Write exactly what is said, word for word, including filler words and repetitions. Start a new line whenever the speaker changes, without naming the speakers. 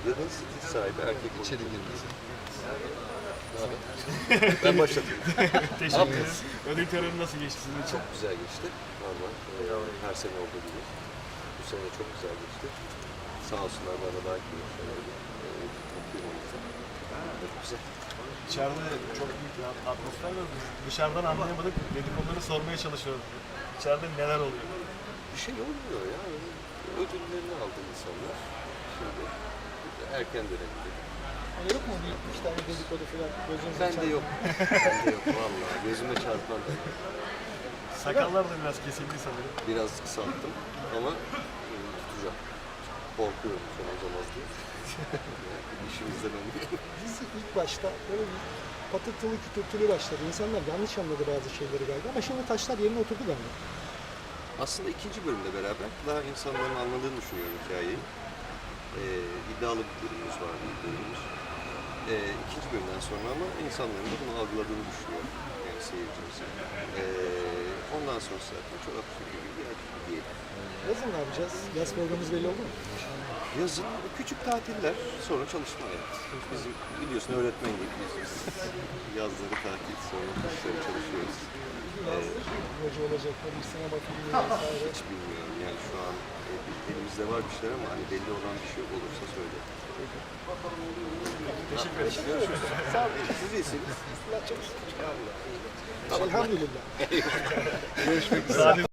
Kadın stil sahibi, erkek
İçeri girmesin.
Ben başladım.
Teşekkür ederim. Ödül töreni nasıl geçti sizin için?
Çok güzel geçti. Normal. Ee, her sene olduğu gibi. Bu sene çok güzel geçti. Sağ olsunlar bana daha kıymetli. Ee, mutluyum o yüzden. Çok güzel.
İçeride çok büyük bir atmosfer var. Dışarıdan anlayamadık. Dedikoduları sormaya çalışıyoruz. İçeride neler oluyor?
Bir şey olmuyor ya. Ödüllerini aldı insanlar. Şimdi erken dönemde.
Hani yok mu bir iki tane dedikodu falan gözünüze
Bende
çarpan?
yok. Bende yok vallahi. Gözüme çarpan da yok.
Sakallar da biraz kesildi sanırım.
Biraz kısalttım ama e, tutacağım. Korkuyorum son uzamaz diye. İşimizden önemli.
Dizi ilk başta böyle bir patırtılı kütürtülü başladı. İnsanlar yanlış anladı bazı şeyleri galiba ama şimdi taşlar yerine oturdu galiba.
Aslında ikinci bölümle beraber daha insanların anladığını düşünüyorum hikayeyi. Ee, iddialı bir bölümümüz var, bir bölümümüz. Ee, ikinci bölümden sonra ama insanların da bunu algıladığını düşünüyorum. Yani seyircimizin. Ee, ondan sonra zaten çok absürt gibi bir yer diyelim.
Yazın ne yapacağız? Yaz programımız belli oldu mu?
Yazın küçük tatiller, sonra çalışma hayatı. Bizim biliyorsun öğretmen gibi biz yazları tatil, sonra kışları çalışıyoruz.
Yaz proje olacak mı? Bir sinema filmi vesaire.
Hiç bilmiyorum yani şu an e, elimizde var bir şeyler ama hani belli olan bir şey olursa söyle.
Teşekkür ederim. Görüşürüz.
Sağ olun.
Siz iyisiniz.
Elhamdülillah.
Sade